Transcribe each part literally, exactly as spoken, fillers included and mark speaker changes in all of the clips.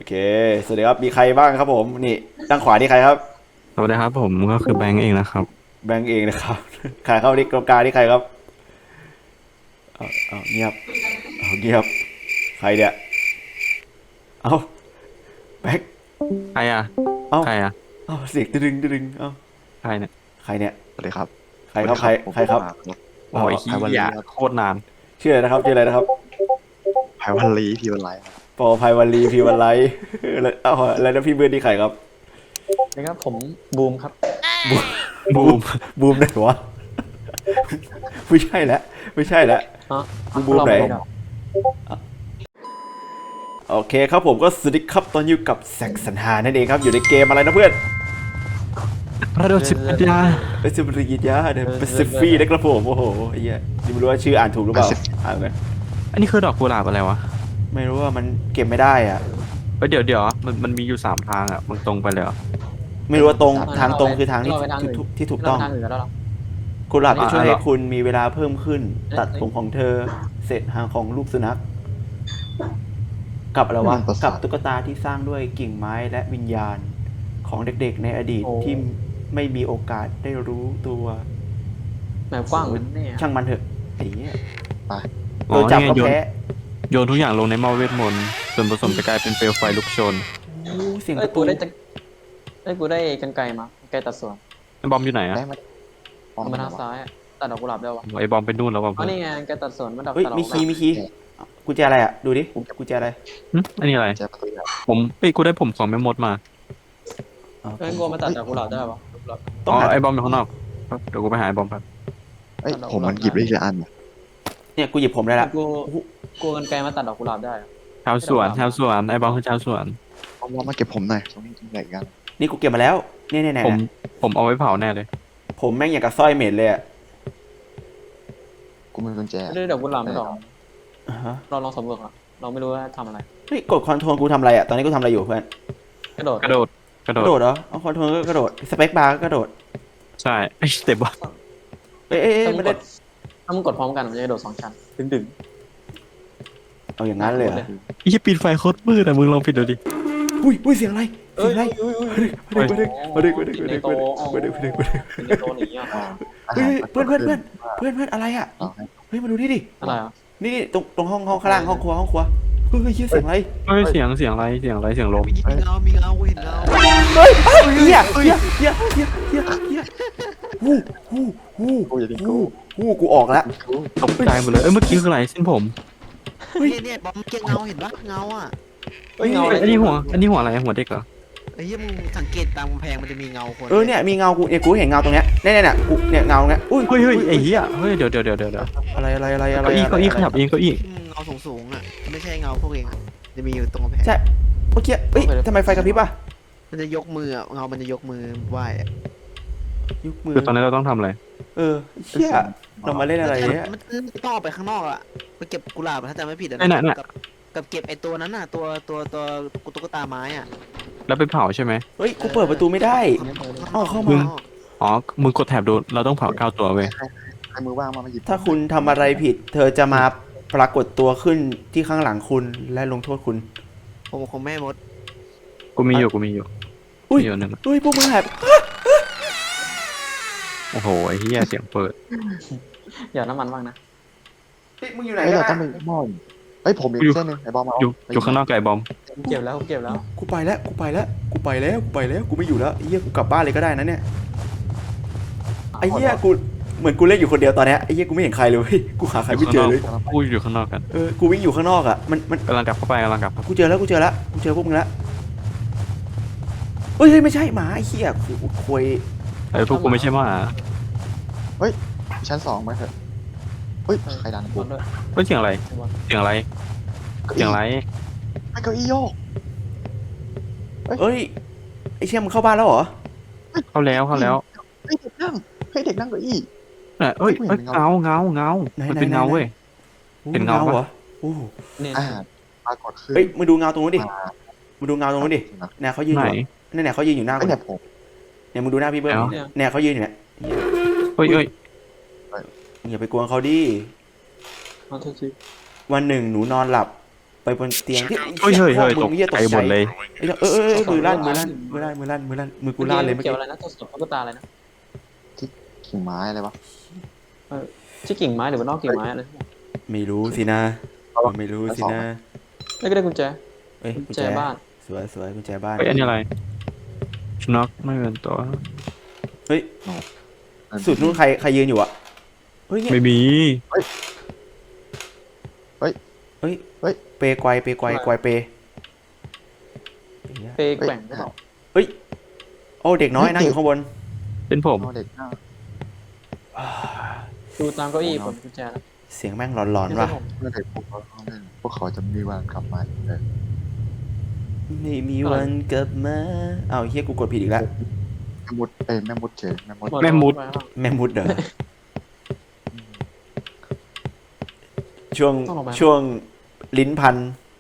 Speaker 1: เคสวัสดีครับมีใครบ้างครับผมนี่ด้านขวานี่ใครครับ
Speaker 2: สวัสดีครับผมก็คือแบงก์เองนะครับ
Speaker 1: แบงก์เองนะครับใครเข้าที่กรรมการนี่ใครครับเอาเอาเงียบเอาเงียบใครเนี่ยเอาแบงก์
Speaker 2: ใครอ่ะ
Speaker 1: เอา
Speaker 2: ใครอ่ะ
Speaker 1: เอาเสียงดึงดึงเอา
Speaker 2: ใครเนี่ย
Speaker 1: ใครเนี่ย
Speaker 3: สวัสดีครับ
Speaker 1: ใครครับใคร
Speaker 3: ผม
Speaker 1: ใครครับ
Speaker 2: โอ้ยขี้
Speaker 3: ไพวัน
Speaker 2: ย
Speaker 3: ลีครับ
Speaker 2: โคตรนาน
Speaker 1: ชื่ออะไรนะครับชื่ออะไรนะครับ
Speaker 3: ไพวันลีพี่วันไลครับ
Speaker 1: ปอภัยวันลีพีวันไลท์แล้วเอาแล้วนะพี่เบิร์ดนี่ใครครับ
Speaker 4: นะครับผมบูมครับ
Speaker 2: บูม
Speaker 1: บูมไหนวะไม่ใช่แล้วไม่ใช่แล้ว
Speaker 4: ฮะ
Speaker 1: บูมไหน โอเคครับผมก็สวัสดีครับตอนอยู่กับแซกสันหานั่นเองครับอยู่ในเกมอะไรนะเพื่อน
Speaker 2: พระโดชิปยา
Speaker 1: เอสเปริยาเดอะเปซิฟีนะครับผมโอ้โหไอ้เหี้ยนี่ไม่รู้ว่าชื่ออ่านถูกหรือเปล่าอ่านไง
Speaker 2: อันนี้คือดอกกุหลาบอะไรวะ
Speaker 1: ไม่รู้ว่ามันเก็บไม่ได้อ่ะ
Speaker 2: เฮ้ยเดี๋ยวเดี๋ยวมันมันมีอยู่สามทางอ่ะมันตรงไปเลยเหรอ
Speaker 1: ไม่รู้ว่าตรงทางตรง
Speaker 4: เราไป
Speaker 1: คือทางที่
Speaker 4: เราไปทางอื่น
Speaker 1: ที่ที่ถูกต้อง
Speaker 4: เราไปทางอื่นแล้วเหรอ
Speaker 1: กุหลาบจะช่วย
Speaker 2: อ่า
Speaker 1: ให้คุณมีเวลาเพิ่มขึ้น
Speaker 4: เอ๊ะ
Speaker 1: ตัดผมของเธอเสร็จหางของลูกสุนัขกับอะไรวะกับตุ๊กตาที่สร้างด้วยกิ่งไม้และวิญญาณของเด็กๆในอดีต
Speaker 4: โอ้
Speaker 1: ที่ไม่มีโอกาสได้รู้ตัว
Speaker 4: แบบกว้างเหมือนเนี่ย
Speaker 1: ช่างมันเถอะไอ้เหี้ย
Speaker 3: ไป
Speaker 1: โดนจับก็
Speaker 2: โยน
Speaker 1: แพ้
Speaker 2: โยนทุกอย่างลงในหม้อเวทมนต์ส่วนผสมจะกลายเป็นเปลวไฟลุกโชน
Speaker 1: โอ้เสียงป
Speaker 4: เอ้ย
Speaker 1: ระ
Speaker 4: กู
Speaker 1: ตู
Speaker 4: ได้จะเอ้ยกูได้กันไกลมากันไกลตัดส่วน
Speaker 2: ไอ้บอมอยู่ไหนอ่ะ
Speaker 3: ได้ไหม
Speaker 4: เอามาทางซ้ายอะตัดดอกกุหลาบได้วะ
Speaker 2: ไอ้บอมไปนู่นแล้วว่ะ
Speaker 4: อ๋อนี่ไงกันไกลตัดส่วนมันดอก
Speaker 1: เฮ้ย
Speaker 4: ตัดดอก
Speaker 1: มี
Speaker 4: กุห
Speaker 1: คี
Speaker 4: ลา
Speaker 1: ย์
Speaker 4: บ
Speaker 1: มีคีย์กุญแจอะไรอ่ะดูดิกุญแจอะไร
Speaker 2: หึอันนี้อะไร
Speaker 3: แจประตูใหญ่
Speaker 2: ผมเอ้ยกูได้ผมของแม่มดมา
Speaker 1: อ๋อ
Speaker 4: เอ้ยกูมาตัดดอกกุหลาบได้ปะดอกกุหลาบ
Speaker 1: ต้อ
Speaker 2: อ๋
Speaker 1: ง
Speaker 2: อ
Speaker 1: หา
Speaker 2: ไอ้บอมอยู่ข้างนอกเดี๋ยวกูไปหาไอ้บอมครับ
Speaker 3: เอ้ยผมมันหยิบได้ทีละอันเนี่ย
Speaker 1: เนี่ยกูหยิบผมได้ละ
Speaker 4: กูกูกันไกลมาตัดดอกกุหลาบได้อะ
Speaker 2: ชาวสวนชาวสวนไอ้บอมคือชาวสวน
Speaker 3: เอาว่ามาเก็บผมหน่อยตรงนี้ตรงไหนกัน
Speaker 1: นี่กูเก็บมาแล้วเนี่ยเนี่ยเนี่ย
Speaker 2: ผมผมเอาไว้เผาแน่เลย
Speaker 1: ผมแม่งอย่างกับสร้อยเม็ดเลยอ่ะ
Speaker 3: กูมีกุญแจ
Speaker 4: ไม่ได้ดอกกุหลาบไม่ดอก
Speaker 1: อ่าฮะ
Speaker 4: เราลองสำรวจก่อนเราไม่รู้ว่าทำอะไร
Speaker 1: เฮ้ยกดคอนโทรลกูทำอะไรอ่ะตอนนี้กูทำอะไรอยู่เพื่อน
Speaker 4: กระโดด
Speaker 2: กระโดดกระ
Speaker 1: ก
Speaker 2: โด
Speaker 1: ระ
Speaker 2: ด
Speaker 1: โดดเหรอเอาคอนโทรลก็กระโดดสเปคบาร์ก็กระโดด
Speaker 2: ใช่ไอ้เต็บว่ะ
Speaker 1: เอ้ยเอ้ยเอ้ย
Speaker 4: ถ้ามึ
Speaker 1: ไม่
Speaker 4: งก
Speaker 1: ได้
Speaker 4: ดถ้ามึงกดพร้อมกันมันจะกระโดดสองชั้นดึงดึง
Speaker 1: เอาอย่างนั้นเลยเหรอ
Speaker 2: ไอ้ปิดไฟโคตรมืดอะมึงลองปิดดูดิ
Speaker 1: อุ้ยอุ้ยเสียงอะไร
Speaker 4: เอ้
Speaker 1: เสีย
Speaker 4: ย
Speaker 1: งอะไร
Speaker 4: เอ้ยเอ้ย
Speaker 1: มาดึกมาดึกมาดึกมาดึกมาดึกมาดึกมาดึกมาดึกมาดึกมาดึก
Speaker 4: ในโตหนีอ่ะ
Speaker 1: เฮ้ยเพื่อนเพื่อนเพื่อนเพื่อนเพื่อนอะไรอ่ะ
Speaker 3: เอาให้
Speaker 1: เฮ้ยมาดูนี่ดิ
Speaker 4: อะไรอ่ะ
Speaker 1: นี่ตรงตรงห้องห้องข้างล่างห้องครัวห้องครัวเฮ้ยเฮ้ยเสียงอะไร
Speaker 2: เฮ้ยเสียงเสียงอะไรเสียงอะไรเสียงลม
Speaker 5: มีเงา มีเงาเห็นเงา
Speaker 1: เฮ้ยเฮียเฮียเฮียเฮียเฮียเฮียฮู้ฮู้ฮู้
Speaker 3: กูอย่าดิ้น
Speaker 1: ฮู้
Speaker 3: กู
Speaker 1: ฮู้กูออกแล้ว
Speaker 3: กู
Speaker 2: ตกใจหมดเลยเอ้ยเมื่อกี้คืออะไรเส้นผม
Speaker 5: เนี่ยเนี่ยบอมเกี้ยเงาเห็นปะเงาอ่ะ
Speaker 4: เฮ้ยเงาอะไร
Speaker 2: อันนี้หัวอันนี้หัวอะไรหัวเด็กเหรอ
Speaker 5: ไอ้เหี้ยมึงสังเกตตามกำแพงมันจะมีเงาคน
Speaker 1: เออเนี่ยมีเงากูเนี่ยกูเห็นเงาตรงเนี้ยเนี่ยเนี่ยเนี่ยกูเนี่ยเงาเนี้ยอุ้ย
Speaker 2: เฮ้ยเฮ้ยไอ้เหี้ยเฮ้ยเดี๋ยวเดี๋ยวเดี๋ยวเดี๋ยว
Speaker 1: อะไรอะไรอะไรอะไร
Speaker 2: เก้าอี้เก้าอี้ขยับเองเก้าอี้
Speaker 5: อืมเงาสูงๆอ่ะไม่ใช่เงาพวกเองอะจะมีอยู่ตรงกำแพง
Speaker 1: ใช่เมื่อกี้เอ้ยทำไมไฟกระพริบอ่ะ
Speaker 5: มันจะยกมืออะเงามันจะยกมือไหว้อะ
Speaker 1: ยุกมือ
Speaker 2: คือตอนนี้เราต้องทำอะไร
Speaker 1: เออเชี่ยเรามาเล่นอะไรเนี่ย
Speaker 5: มันมันต้องออกไปข้างนอกอ่ะไปเก็บกุหลาบอะถ้าจำไม่ผิดอะ
Speaker 2: ไอ้น่ะน่ะ
Speaker 5: กับกับเก็บไอ้ตัวนั้นน่ะตัวตัวตัวตุ๊กตาไม้อ่ะ
Speaker 2: แล้วไปเผาใช่ไหม
Speaker 1: เฮ้ยกูเปิดประตูไม่ได้ เอาเข้ามา
Speaker 2: มึง อ๋อมึงกดแถบดูเราต้องเผาเก้าตัวเว้ย
Speaker 3: ใครมือว่างมามาหยิบ
Speaker 1: ถ้าคุณทำอะไรผิด เธอจะมาปรากฏตัวขึ้นที่ข้างหลังคุณและลงโทษคุณ
Speaker 5: ผมคงไม่ให้มด
Speaker 2: กูมีอยู่กูมีอยู่
Speaker 1: อุ้ย
Speaker 2: มีอยู่หนึ่ง
Speaker 1: เฮ้ยพวกมึงแหบ
Speaker 2: โอ้โหไอ้เหี้ยเสียงเปิด
Speaker 4: อย่าน้ำมันบ้างนะ
Speaker 1: เฮ้ยมึงอยู่ไหน
Speaker 3: เฮ้ย
Speaker 1: กั
Speaker 3: เรา
Speaker 1: น
Speaker 3: ต้อง
Speaker 1: อะ
Speaker 3: มีหม้ออยู่เฮ้ยผมมีเส้นหนึงไอ้บอมเอา
Speaker 2: อยู่อยู่ข้างนอกไก่บอม
Speaker 4: กูเก็บแล้วกูเก็บแล้ว
Speaker 1: กูไปแล้วกูไปแล้วกูไปแล้วกูไปแล้วกูไม่อยู่แล้วไอ้เหี้ยกูกลับบ้านเลยก็ได้นะเนี่ยไอ้เหี้ยกูเหมือนกูเล่นอยู่คนเดียวตอนเนี้ยไอ้เหี้ยกูไม่เห็นใครเลยเว้ยกูหาใครไม่เจอเลย
Speaker 2: กูอยู่ข้างนอกกัน
Speaker 1: เออกูวิ่งอยู่ข้างนอกอ่ะมันมัน
Speaker 2: กำลังกลับเข้าไปกำลังกลับ
Speaker 1: กูเจอแล้วกูเจอแล้วกูเจอพวกมึงแล้วเฮ้ยเฮ้ยไม่ใช่หมาไอ้เหี้ยกูกูคุย
Speaker 2: ไอ้ยพวกกูไม่ใช่หมา
Speaker 3: ชั้นสองไหมเถอะเฮ้ยใครดันกู
Speaker 4: บอลด้วย
Speaker 2: เฮ้ยเสียงอะไร
Speaker 4: บอล
Speaker 2: เสียงอะไรเสียงอะไร
Speaker 3: ไอ้เก้าอี้โยก
Speaker 1: เอ้ยไอ้เชี่ยมึงเข้าบ้านแล้วเหรอ
Speaker 2: เข้าแล้วเข้าแล้ว
Speaker 3: เฮ้ยเด็กนั่งเฮ้ยเด็กนั่งเก้าอี้
Speaker 2: เนี่ยเอ้ยเอ้ย
Speaker 3: ไม่เห็น
Speaker 2: เงาเงาเงา
Speaker 1: ไหน
Speaker 2: มัน
Speaker 1: ไหน
Speaker 2: เป็นเงา
Speaker 1: ไหน
Speaker 2: เว้ย เห็นเงาปะ
Speaker 1: เหรอโอ้โห
Speaker 4: เนี่ย
Speaker 3: อ่าปรากฏขึ้น
Speaker 1: เฮ้ยมึงดูเงาตรงนู้นดิมึงดูเงาตรงนู้นดิเนี่ยเขายืนอ
Speaker 2: ไหน
Speaker 1: ยู่เนี่ยเนี่ยเขายืนอยู่หน้า
Speaker 3: ไอ้
Speaker 1: กู
Speaker 3: เนี่ยผม
Speaker 1: เนี่ยมึงดูหน้าพี่เบิ้ม
Speaker 2: ไหนวะ
Speaker 1: เนี่ยเขายืนอยู่เนี่ย
Speaker 2: เฮ้ยเอ้ย
Speaker 1: อย่าไปกวนเขาดิ
Speaker 4: เอาโทษที
Speaker 1: วันหนึ่งหนูนอนหลับไปบนเตียงที่
Speaker 2: เฮ้ยเฮ้ยเฮ้ยต
Speaker 1: มึ
Speaker 2: ก
Speaker 1: งเหี้ยต
Speaker 2: ใจ
Speaker 1: ก
Speaker 2: ห
Speaker 1: ใจ
Speaker 2: มดเลย
Speaker 1: เอ้ยเออเออเออมือลั่นมือลั่นมือลั่นมือลั่นมือลั่นมือกูลั่นเลยเมื่อ
Speaker 4: เกี่ยว
Speaker 1: กี้
Speaker 4: อะไรนะตัวสดตุ๊กตาอะไรนะ
Speaker 3: กิ่งไม้อะไรวะ
Speaker 4: ชื่อกิ่งไม้หรือว่านอกกิ่งไม้อะไร
Speaker 1: ไม่รู้สินะไม่รู้สินะ
Speaker 4: ไม่ก็ได้กุญแจ
Speaker 1: เอ้ย
Speaker 4: กุ
Speaker 1: กุ
Speaker 4: ญ
Speaker 1: ญ
Speaker 4: แจ
Speaker 1: แจ
Speaker 4: บ้าน
Speaker 1: สวยสวยกุญแจบ้าน
Speaker 2: เฮ้ยอันนี้อะไรชน็อกไม่เป็นตัว
Speaker 1: เฮ้ยสุดนู้นใครใครยืนอยู่อะเฮ้ยเนี่ย
Speaker 2: ไม่มี
Speaker 1: เฮ้ยเฮ้ยเปไกวเปไกวไกวเป
Speaker 4: เปย์แกว่งหรือเปล่า
Speaker 1: โอ้เด็กน้อยนั่งอยู่ข้างบน
Speaker 2: เป็นผม
Speaker 3: เอาเด็กหน้า
Speaker 4: ดูตามเก้าอี้ผมกุญแจแล้ว
Speaker 1: เสียงแม่งหลอนๆว่ะ
Speaker 3: เมื่อเด็กพวกเขาเขาเล่นพวกเขาจะมีวันกลับมาอีกเลย
Speaker 1: ไม่มีวันกลับมาอ้าวเฮียกูกดผิดอีกแล้ว
Speaker 3: แม่มุดเอ้ยแม่มุดเฉยแม่มุด
Speaker 2: แม่มุด
Speaker 1: แม่มุดเหรอช่วงช่วงลิ้นพัน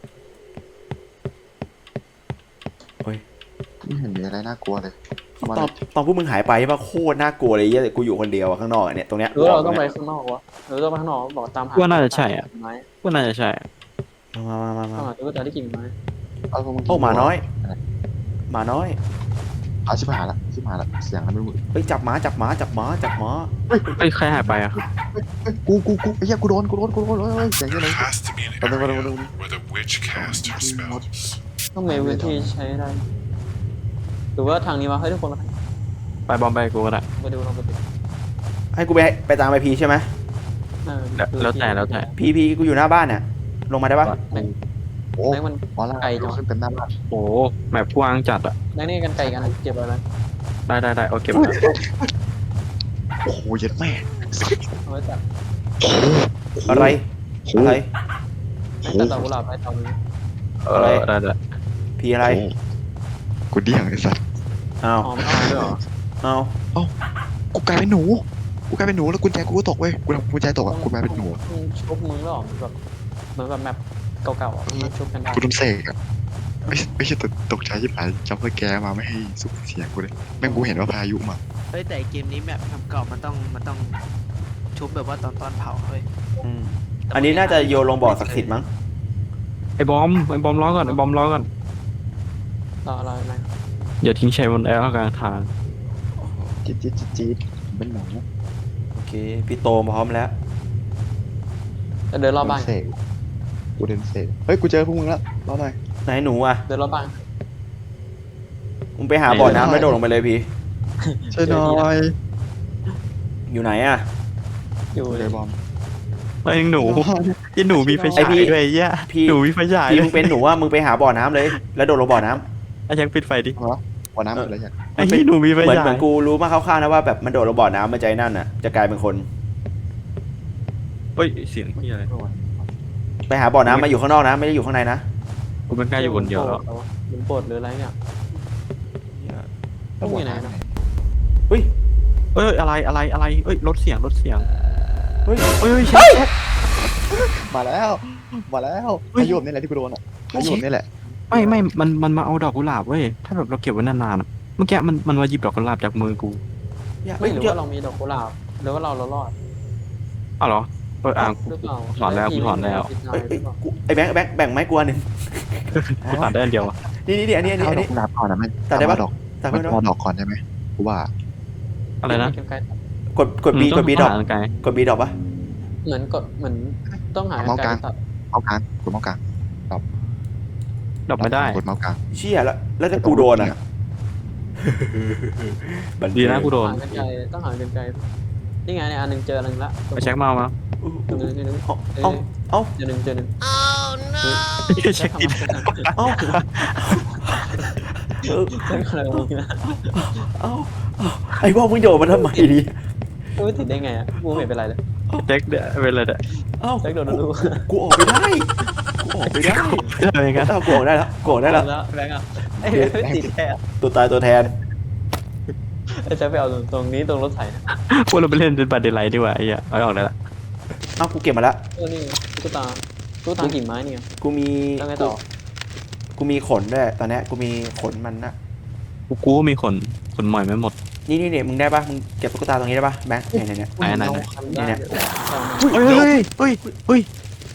Speaker 3: ไม่เห็นมีอะไรน่ากลัวเลยเข้ามา
Speaker 1: ตอนตอนพวกมึงหายไปป่ะโคตรน่ากลัวเลยเหี้ยแต่กูอยู่คนเดียวอะข้างนอกอะเนี่ยตรงเนี้ย
Speaker 4: หรือว่าเราต้องไปข้างนอกวะหรือต้องไปข้างนอกบอกตามหา
Speaker 2: ว่าน่าจะใช่อ่ะ
Speaker 4: ไม้
Speaker 2: ว่าน่าจะใช่อะ
Speaker 1: มามามามา
Speaker 4: ตามหาตุ๊กตาที่กิ่งไม้
Speaker 3: เอาพวกมึง
Speaker 1: โอ้หมาน้อยหมาน้อย
Speaker 3: เอาชิบหายละชิบหายละเสียงอะไรไม่รู้
Speaker 1: เฮ้ยจับหมาจับหมาจับหมาจับหมา
Speaker 2: เฮ้ยใครหายไปอ่ะ
Speaker 3: เฮ้ยกูกูกูไอ้เหี้ยกูโดนกูโดนกูโดนเฮ้ยเฮ้ยเสียงยังไง
Speaker 6: There has to be an
Speaker 3: Warte, warte,
Speaker 6: area
Speaker 3: warte, warte.
Speaker 6: where the witch cast her spells.
Speaker 4: ต้องมีพื้นที่ใช้ได้หรือว่าทางนี้วะเฮ้ยทุกคนเรา
Speaker 2: ไปบอมไปกูก็ได้
Speaker 4: ไปดูลองไปดู
Speaker 1: ให้กูไปไปตามไปพีใช่ไหม
Speaker 4: เออ
Speaker 2: แล้วแล้วแต่แล้วแต่
Speaker 1: พีพีกูอยู่หน้าบ้านเนี่ยลงมาได้ปะ
Speaker 3: โอ้
Speaker 4: แบงค์มัน
Speaker 3: หมอลา
Speaker 4: ไกลจัง
Speaker 3: ขึ้นเต็มหน้าบ้าน
Speaker 2: โอ้แมปกว้างจัดอ่ะ
Speaker 4: แบงค์นี่กันไก่กันเก็บอะไรนะ
Speaker 2: ได้ได้ได้โอเค
Speaker 3: โอ้โหเย็ดแม่
Speaker 4: เอาไว้จับ
Speaker 1: อะไรอะไร
Speaker 4: ไม่ตัดดอกกุหลาบไปตามนี้
Speaker 2: เออได้ได้
Speaker 1: พีอะไร
Speaker 3: โกูเดี่ยงไอ้สัส
Speaker 1: อ้าว
Speaker 4: อ๋อไม่เอาด้วยเหรอ
Speaker 1: อ้าว
Speaker 3: กูกลายเป็นหนูกูกลายเป็นหนูแล้วกุญแจกูก็ตกเว้ยกูทำกุญแจตกอ่ะกูกลายเป็นหนู
Speaker 4: มึงชุบมึงหรอแบบเหมือนแบบแมปเก่าๆอ่ะมันชุบกันได้
Speaker 3: กูโดนเสกอ่ะไม่ไม่ใช่ตกตกใจที่ผ่านจำเพื่อแกมาไม่ให้สุกเสียงกูเลยแม่งกูเห็นว่าพายุมา
Speaker 5: เฮ้ยแต่เกมนี้แบบทำเก่ามันต้องมันต้องชุบแบบว่าตอนตอนเผาเฮ้ย
Speaker 1: อืมอันนี้น่าจะโยนลงบ่อศักดิ์สิทธิ์มั้ง
Speaker 2: ไอ้บอมไอ้บอมล้อก่อนไอ้บอมล้อก่อน
Speaker 4: ต่ออะไรไหม
Speaker 2: อย่าทิ้งชัยบนแอร์กลางทาง
Speaker 3: จี๊ดจี๊ดจี๊ดจี๊ดเป็นหนู
Speaker 1: โอเคพี่โตพร้อมแล้ว
Speaker 4: เดินรอบบ้าน
Speaker 3: เสกกูเดินเสกเฮ้ยกูเจอพวกมึงแล้วรอหน่อย
Speaker 1: ไหนหนูอ่ะ
Speaker 4: เดินรอบบ้าน
Speaker 1: มึงไปหาบ่อน้ำแล้วโดดลงไปเลยพี่
Speaker 3: ช่วยหน่อย
Speaker 1: อยู่ไหนอ่ะ
Speaker 4: อยู่
Speaker 3: กู
Speaker 4: เล
Speaker 3: เลย ยบอม
Speaker 2: ไอ้หนูไอ้หนูมีไฟ
Speaker 1: ไอ้
Speaker 2: ฉาย
Speaker 1: พี่
Speaker 2: ด้วยไอ้เหี้ย
Speaker 1: พี่
Speaker 2: หนูมีไฟฉาย
Speaker 1: พี่
Speaker 2: ด้ว
Speaker 1: มึ
Speaker 2: ย
Speaker 1: งเป็นหนูอ่ะมึงไปหาบ่อน้ำเลย แล้วโดดลงบ่อน้ำ
Speaker 2: ไอ้ยังปิดไฟดิ
Speaker 3: วันน้ำอะไรอย่าง
Speaker 2: ไอ้ที่หนูมีไฟ
Speaker 1: เหมือน
Speaker 2: ฉา
Speaker 1: เหมือย นกูรู้มาคร่าวๆนะว่าแบบมันโดดลงบ่อน้ำมันใจนั่นอ่ะจะกลายเป็นคน
Speaker 2: เฮ้ยเสียงที่อะไร
Speaker 1: ไปหาบ่อน้ำมาอยู่ข้างนอกนะไม่ได้อยู่ข้างในนะ
Speaker 2: กูเป็นกล้าอยู่คนเดียวแล้ว
Speaker 4: หมุนโปรดหรืออะไรเนี่ยพวกมีไหนนะ
Speaker 1: เฮ้ย
Speaker 2: เอ้ยอะไรอะไรอะไรเอ้ยลดเสียงลดเสียง
Speaker 1: เฮ้ย
Speaker 2: เอ้ย
Speaker 1: เฮ้ย
Speaker 3: มาแล้วมาแล้วพายุนี่แหละที่กูโดนอ่ะพายุนี่แหละ
Speaker 2: ไม่ไม่มันมันมาเอาดอกกุหลาบเว้ยถ้าแบบเราเก็บไว้นานๆอะเมื่อกี้มันมันมาหยิบดอกกุหลาบจากมือกู
Speaker 1: อย่า
Speaker 4: ไม่
Speaker 1: เฮ้ย
Speaker 4: หรือ
Speaker 1: เจอ
Speaker 4: ว่าเรามีดอกกุหลาบหรือว่าเราเรารอด
Speaker 2: อ้าวเหรอเอออ่าง
Speaker 4: หรือเปล่า
Speaker 2: ถอนแล้วกูถอนแล้ว
Speaker 1: เอ้ยเอ้ยกูไอ้แบงค์แบงค์แบ่งไม้กวนหนึ่ง
Speaker 2: กูตัดได้อันเดียวอะ
Speaker 1: นี่นี่นี่อันนี้อันนี้
Speaker 3: เอา
Speaker 1: อัน
Speaker 3: ดอ
Speaker 1: นี้
Speaker 3: กกุหลาบก่อนนะแม่
Speaker 1: ตัดได้ปะ
Speaker 3: ดอก
Speaker 1: ตัด
Speaker 3: มั
Speaker 1: ไม่
Speaker 3: น
Speaker 1: ได้
Speaker 3: เอาดอกก่อนได้ไหมกูว่า
Speaker 2: อะไรนะ
Speaker 1: กดกดบีกดบีดอก
Speaker 2: มึงต้องหาไกล
Speaker 1: กดบีดอกปะ
Speaker 4: เหมือนกดเหมือนต้องหา
Speaker 3: เมาส์กลาง
Speaker 4: ตัด
Speaker 3: เอากลางกดเมาส์กลาง
Speaker 2: ดอกไม่ได้
Speaker 3: กดเมาส์กลาง
Speaker 1: เชี่ยแล้วแล้วถ้ากูโดนอ่ะบัน
Speaker 2: ดีนะกูโดน
Speaker 4: หากันไกลต้องหากันไกลนี่ไงเนี่ยอันหนึ่งเจออันหนึ่งละ
Speaker 2: ไปเช็คเมาส์มา
Speaker 4: อันหนึ่งอันหนึ่ง
Speaker 1: เอาเอาเอา
Speaker 4: เจอหนึ่งเจอหนึ่ง
Speaker 2: เช็คติด
Speaker 1: เอาเออ
Speaker 4: เจออะไรมึงนะ
Speaker 1: เอาเอาไอ้พวกมึงโดดมาทำไมดิ
Speaker 4: ไม่ติดได้ไงอ่ะกูไม่เป็นไรเลย
Speaker 2: เช็คเดี๋ยวเป็นเลยเด้อ
Speaker 1: เอ้า
Speaker 4: แจ็คโดนรู้
Speaker 1: กูออกไปได้กูออกไปได้
Speaker 2: อะไรกัน
Speaker 1: เอ้ากูออกได้แล้วกูออกได้แล้ว
Speaker 4: แล้วแบงค์อ่ะไอ้ไม่ติดแค่
Speaker 1: ตัวตายตัวแทน
Speaker 4: ไอ้แจ็คไปเอาตรงนี้ตรงรถไถนะ
Speaker 2: พวกเราไปเล่นเป็นบัตรเดลไลท์ดีกว่าไอ้เหี้ยเอาออกได้ละ
Speaker 1: เอ้ากูเก็บมาแล้ว
Speaker 4: เออนี่ตุ๊กตาตุ๊กตากิ่งไม้เนี่ย
Speaker 1: กูมี
Speaker 4: แล้วไงต่อ
Speaker 1: กูมีขนด้วยตอนเนี้ยกูมีขนมันนะ
Speaker 2: กูกูก็มีขนขนหมอยไม่หมด
Speaker 1: นี่นี่เนี่ยมึงได้ปะมึงเก็บตุ๊กตาตรงนี้ได้ปะแบงค์เนี่ยเนี่ยเนี่ย
Speaker 2: ไหนไหนไหน
Speaker 4: ทำได้
Speaker 1: เนี่ย
Speaker 2: เฮ้ยเฮ้ยเฮ้ยเฮ้ย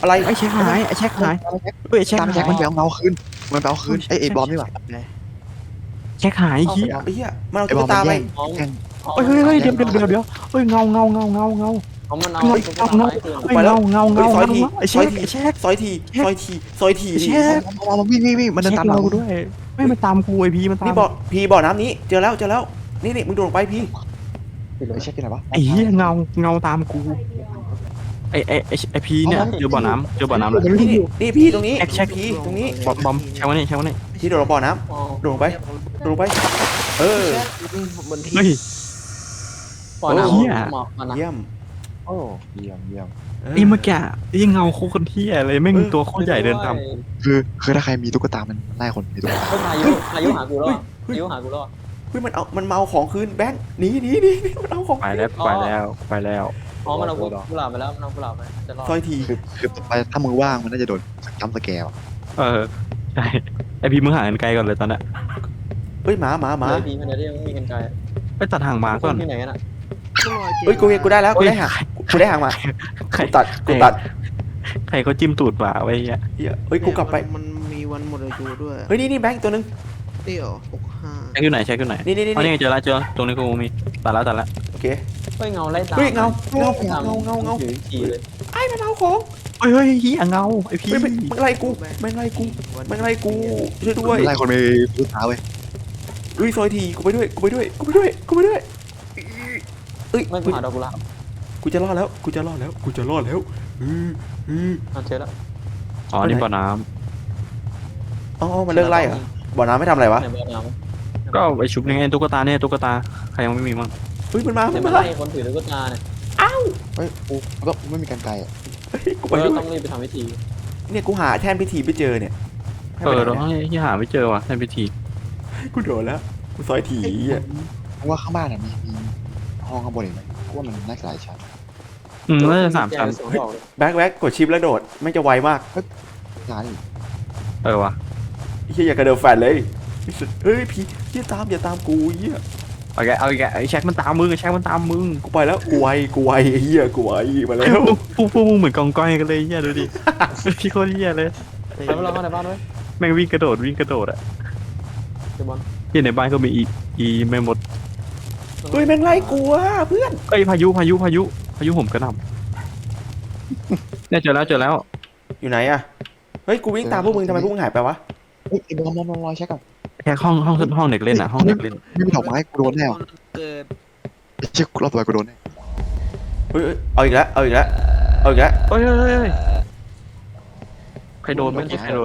Speaker 1: อะไร
Speaker 2: ไอ้เช็คหายไอ้เช็คหายเฮ้ยไอ้เช็ค
Speaker 3: ตาม
Speaker 2: หา
Speaker 3: แจ็ค
Speaker 2: ย
Speaker 3: มันไปเอาเงาคืนมันไปเอาคืนไอ้ไอ้บอมนี่หว่า
Speaker 2: เช็คหายไอ้เหี้ย
Speaker 1: ไอ้เหี้ยมันเอา
Speaker 3: ไอ้บ
Speaker 1: ตุ๊
Speaker 3: อก ม
Speaker 1: ตา
Speaker 3: มัน
Speaker 1: ไป
Speaker 3: แย่งแย่ง
Speaker 2: เฮ้ยเฮ้ยเฮ้ยเดี๋ยวเดี๋ยวเดี๋ยวเดี๋ยวเฮ้ยเงาเงาเงาเงาเงา
Speaker 4: เอามันเอา
Speaker 2: เงา
Speaker 4: ตุ๊ก
Speaker 2: เงา
Speaker 4: ตา
Speaker 2: เงา
Speaker 4: ไม้คืน
Speaker 2: เฮ้ยเงาเงาเงา
Speaker 1: ซอย
Speaker 2: เงา
Speaker 1: ที
Speaker 2: ไอ้
Speaker 1: ซอย
Speaker 2: เช็ค
Speaker 1: ที
Speaker 2: ไอ้เช็ค
Speaker 1: ซอยทีซอยทีซอยที
Speaker 2: ไอ้เช็ค
Speaker 3: บอมวิ่งวิ่งวิ่งมันเดิน
Speaker 2: เช็ค
Speaker 3: ตามหลั
Speaker 2: เรา
Speaker 3: ง
Speaker 2: ด้วยไม่มันตามกูไอพีมันตาม
Speaker 1: นี่บ่อพีบ่อน้ำนี้เจอแล้วเจอแล้วนี่นี่มึงโดดลงไปพี
Speaker 3: ไอ้เช็คที่ไหนวะ
Speaker 2: ไอ้เหี้ยเงาเงาตามกูไอ้ไอ้ไอ้ไอ้พีเนี่ยเจอบ่อน้ำเจอบ่อน้ำแล้ว
Speaker 1: นี่นี่นี่พีตรงนี้
Speaker 2: แช็คแช็ค
Speaker 1: พีตรงนี้
Speaker 2: บอมบอมใช่วันนี้ใช่วันนี้
Speaker 1: พีโดดลงบ่อน้
Speaker 4: อ๋อ
Speaker 1: ำโดดลงไปโดดลงไป เออ
Speaker 2: เฮ้ย
Speaker 4: ปล่อยน้
Speaker 2: เหี้ย
Speaker 4: ำหมอกมันนะ
Speaker 1: เยี่ยม
Speaker 3: โอ้เยี่ยมเยี่ยม
Speaker 2: ไอ้เมื่อกี้ไอ้เงาโคตรเที่ยเลยแม่งตัวโคตรใหญ่เดินตาม
Speaker 3: คือคือถ้าใครมีตุ๊กตามันไล่คนมีตุ๊กตา
Speaker 4: เฮ้ยพายุพายุหากูแล้วพายุหากูแล้ว
Speaker 1: เฮ้ยมันเอามันมาเอาของคืนแบงค์หนีหนีหนีหนีมันเอาของ
Speaker 2: ไปแล้วไปแล้วไปแล้ว
Speaker 4: อ๋อมันเอากุหลาบไปแล้วมันเอากุหลาบไปจะรอด
Speaker 1: ซอยที
Speaker 3: คือคือต่อไปถ้ามือว่างมันน่าจะโดนจัมป์สแกร์
Speaker 2: เออใช่ไอพีมึงหากันไกลก่อนเลยตอนนั้น
Speaker 1: เฮ้ยหมาหมาหมา
Speaker 4: เลยพีมันจะได้ยังมีกันไกล
Speaker 2: ไปตัดหางหมาก่อน
Speaker 4: ที่ไหนกันอ่ะ
Speaker 1: เฮ้ยกูกูได้แล้วกูได้หางกูได้หางมา
Speaker 2: ใคร
Speaker 1: กูตัดกูตัด
Speaker 2: ใครเขาจิ้มตูดหมาไว้เหี้ย
Speaker 1: เหี้ยเฮ้ยกูกลับไป
Speaker 5: มันมีวันหมดอายุด้วย
Speaker 1: เฮ้ยนี่นี่แบงค์ตัวนึง
Speaker 5: นี่เหรอหกห้า
Speaker 2: แช็คอยู่ไหนแช็คอยู่ไหน
Speaker 1: นี่นี่นี่
Speaker 2: อ๋อนี่ไงเจอแล้วเจอตรงนี้กูมีตัดแล้วตัดแล้ว
Speaker 1: โอเค
Speaker 4: เฮ้ยเงาไล่ตาม
Speaker 1: เฮ้ยเงาเงาเงาเงาเงาเงา
Speaker 4: ถือขี่เลย
Speaker 1: ไอ้มันเอาของ
Speaker 2: เฮ้ยเฮ้ยเฮียเงาไอพี
Speaker 1: เฮ้ยมันมันไล่กูมันไล่กูมันไล่กูช่วยด้วย
Speaker 3: ไล่คนไปตุ๊กตาเว้ย
Speaker 1: เฮ้ยซอยทีกูไปด้วยกูไปด้วยกูไปด้วยกูไปด้วยเอ้ย
Speaker 4: ไม่กูหาดอกกุหลาบ
Speaker 1: กูจะรอดแล้วกูจะรอดแล้วกูจะรอดแล้วอืออือ
Speaker 4: อ่ะเจอแล้ว
Speaker 2: อ๋อนี่บ่อน้
Speaker 1: อ๋อมันเลิกไล่เหรอบ่อน้ำไม่ทำอะไรวะ
Speaker 4: ในบ่อน้
Speaker 2: ำก็ไอชุบนี่ไงตุ๊กตาเนี่ยตุ๊กตาใครยังไม่มีมั้ง
Speaker 1: เฮ้ยมันมา
Speaker 4: ำ
Speaker 1: มั
Speaker 4: แต่
Speaker 1: น
Speaker 4: ไม่
Speaker 1: มา
Speaker 4: ไล่คนถือตุ๊กตาเนี่ย
Speaker 3: เฮ้ยกูก็ไม่มีกันไกลอ่ะ
Speaker 1: เฮ้ยกู
Speaker 4: เอ
Speaker 1: ไป
Speaker 4: อ
Speaker 1: ด้วย
Speaker 4: ต้องรีบไปทำพิธี
Speaker 1: เนี่ยกูหาแท่นพิธีไม่เจอเนี่ยให้
Speaker 2: เอ
Speaker 1: ไป
Speaker 2: อ
Speaker 1: ไหน
Speaker 2: เรา
Speaker 1: เนี่ย
Speaker 2: ที่หาไม่เจอว่ะในพิธี
Speaker 1: กูโดนแล้วกูซอยทีอ่ะ
Speaker 3: เพราะว่าข้างบ้านอ่ะมีมีห้องข้างบนอีกไหมเพราะว่ามันน่าจะหลายชั้น
Speaker 2: อืมน่าจะสามชั้น
Speaker 4: แกสองดอกเลย
Speaker 1: แบ็คแบ็คกดชิปแล้วโดดไม่จะไวมาก
Speaker 3: ร้านอีก
Speaker 2: เออว่ะ
Speaker 1: ไอ้เหี้ยอย่ากระเดินแฟนเลยเฮ้ยพี่อย่าตามอย่าตามกูเหี้ย
Speaker 2: เอาแกเอาแกไอแช็คมันตามมึงไอแช็คมันตามมึง
Speaker 1: กูไปแล้วกูไวกูไวไอ้เหี้ยกูไวมาแล้ว
Speaker 2: พวกพวกมึงเหมือนกองก้อยกันเลยเฮียดูดิพี่โคตรเฮียเลย
Speaker 4: แล้วเราเข้าในบ้านด้วย
Speaker 2: แม่งวิ่งกระโดดวิ่งกระโดดอะ
Speaker 4: เดี๋ยวบอล
Speaker 2: ที่ในบ้านก็มีอีอีไม่หมด
Speaker 1: เฮ้ยแม่งไล่กูอ่ะเพื่อน
Speaker 2: เอ้ยพายุพายุพายุพายุผมกระหน่ำเนี่ยเจอแล้วเจอแล้ว
Speaker 1: อยู่ไหนอ่ะเฮ้ยกูวิ่งตามพวกมึงทำไมพวกมึงหายไปวะ
Speaker 3: เฮ้ยไอ้บอมบอมบอมรอเช็คก่อน
Speaker 2: แค่ห้องห้องห้องเด็กเล่นอะห้องเด็กเล่น
Speaker 3: ไม่มีดอกไม้กูโดนแน่ว่ะ
Speaker 5: เกิด
Speaker 3: ไอ้เช็ครอบต่อไปกูโดนแน่
Speaker 1: เฮ้ยเฮ้ยเอาอีกแล้วเอาอีกแล้วเอาอีกแล้ว
Speaker 2: เฮ้ยเฮ้ยเฮ้ยใครโดนเมื่อกี้ใครโดน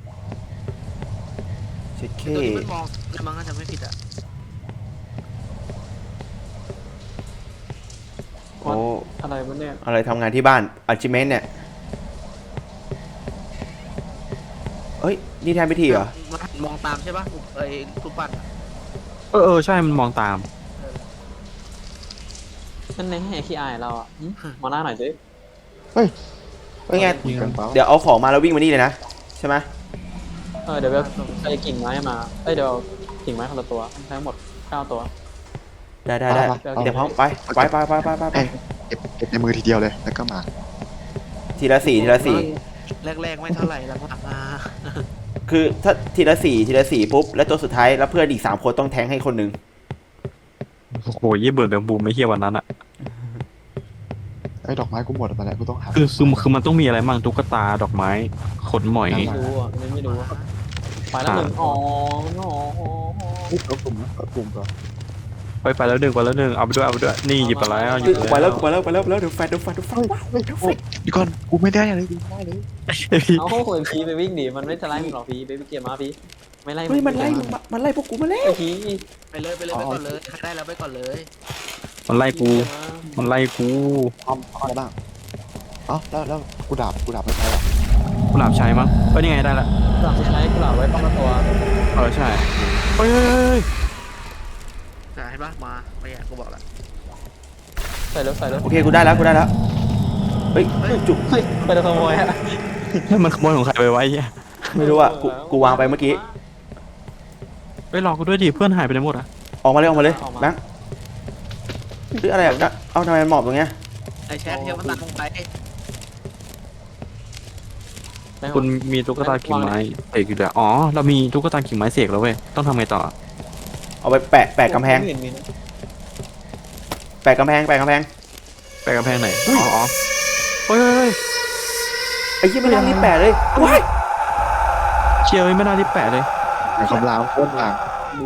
Speaker 1: เช็คเค
Speaker 5: ตัวนี้มันมองแล้วมันก็จะไม่ผิดอ่ะ
Speaker 1: โอ้
Speaker 4: อะไรวะเนี่ย
Speaker 1: อะไรทำงานที่บ้านอัจิเมนเนี่ยเฮ้ยนี่แทนพิธีเหรอ
Speaker 5: มันมองตามใช่ป่ะไอ้รูปปั้นอะ
Speaker 2: เออเออใช่มันมองตาม
Speaker 4: นั่นในให้ขี้อายเราอ่ะหึมาหน้าหน่อยสิ
Speaker 1: เฮ้ยไง
Speaker 3: ยิงกันเปล่า
Speaker 1: เดี๋ยวเอาของมาแล้ววิ่งมานี่เลยนะใช่ไหม
Speaker 4: เออเดี๋ยวแบบใส่กิ่งไม้มาเอ้ยเดี๋ยวกิ่งไม้คนละตัวทั้งหมดเก้าตัว
Speaker 1: ได้ได้ได้เดี๋ยวพร้อมไปไปไปไปไปไปไป
Speaker 3: เก็บเก็บในมือทีเดียวเลยแล้วก็มา
Speaker 1: ทีละสี่ทีละสี่
Speaker 5: แรกๆไม่เท่าไหร่หลังๆมา
Speaker 1: คือถ้าทีละสี่ทีละสี่ปุ๊บแล้วตัวสุดท้ายแล้วเพื่อนอีกสามคนต้องแทงให้คนหนึ่ง
Speaker 2: โอ้โหยี่เบิร์ดแบบบูมไม่เฮียวันนั้นอะ
Speaker 3: ไอ้ดอกไม้กูหมดตอนนี้กูต้องหา
Speaker 2: คือคือคือมันต้องมีอะไรบ้างตุ๊กตาดอกไม้ขนหมอย
Speaker 4: ไม่รู้อ่ะไม่ไม่รู้อะไปแล้วหนึ่งอ๋ออ๋ออ๋อ
Speaker 3: ปุ๊บแล้วกลุ่มแล้วกลุ่มก่อน
Speaker 2: ไปไปแล้วหนึ่งไปแล้วหนึ่งเอาไปด้วยเอาไปด้วยนี่หยิบไปแล้วหยิบ
Speaker 1: กูไปแล้วกูไปแล้วไปแล้วไปแล้วเดี๋ยวแฟนเดี๋ยวแฟนเดี๋ยวแฟน
Speaker 3: เฮ้ยเฮ้ยเดี๋ยวก่อนกูไม่ได้เลยกูไม่ได้เลย
Speaker 4: เอาคุยพีไปวิ่งดิมันไม่จะไล่มึงหรอกพีไปไปเกียร์มาพีไม่ไล่
Speaker 1: เฮ้ยมันไล่มึงมามันไล่พวกกูมาแล้ว
Speaker 4: ไอ้พี
Speaker 5: ไปเลยไปเลยไปก่อนเลยใครได้แล้วไปก่อนเลย
Speaker 2: มันไล่กูมันไล่กู
Speaker 3: ทำอะไรบ้างเอ้าแล้วแล้วกูดาบกูดาบไม่ใช่หรอ
Speaker 2: กุหลาบใช้มั้งเอ้ยนี่ไงได้ละ
Speaker 4: หลังใช้กุหลาบไว้ป้องกันตัว
Speaker 2: เออใช่เฮ้ยเฮ้ยเฮ้ย
Speaker 5: จะให้ปะมาไม่อยากกูบอกละ
Speaker 4: ใส่รถใส่รถ
Speaker 1: โอเคกูได้แล้วกูได้แล้วเฮ้ยจุก
Speaker 4: เฮ้ยไปขโมยฮะ
Speaker 2: เฮ้ยมันขโมยของใครไปไว้เฮีย
Speaker 1: ไม่รู้อ่ะกูกูวางไปเมื่อกี้
Speaker 2: ไปรอกูด้วยดิเพื่อนหายไปไหนหมดอะ
Speaker 1: ออกมาเลยออกมาเลยแบงค์หรืออะไรอ่ะเอาทำไมมันหมอบตรงเนี้ย
Speaker 5: ไอ้แชทเทียมมันตัดลงไป
Speaker 4: ได้หม
Speaker 2: คุ
Speaker 4: ด
Speaker 2: ณมีตุ๊กตากิ่งไม้เสกอยู่แล้วอ๋อเรามีตุ๊กตากิ่งไม้เสกแล้วเว้ยต้องทำไงต่อ
Speaker 1: เอาไปแปะแปะกำแพง
Speaker 4: ไม่เห็นมีนะ
Speaker 1: แปะกำแพงแปะกำแพง
Speaker 2: ไปกำแพงไหนอ๋ออ๋อเฮ้ยเฮ้ยเฮ้ย
Speaker 1: ไอ้ยี่ไม่น่ารีบแปะเลยว้าย
Speaker 2: เชียร์ไม่น่ารีบแปะเลย
Speaker 3: แต่คำรามโคตรหลัง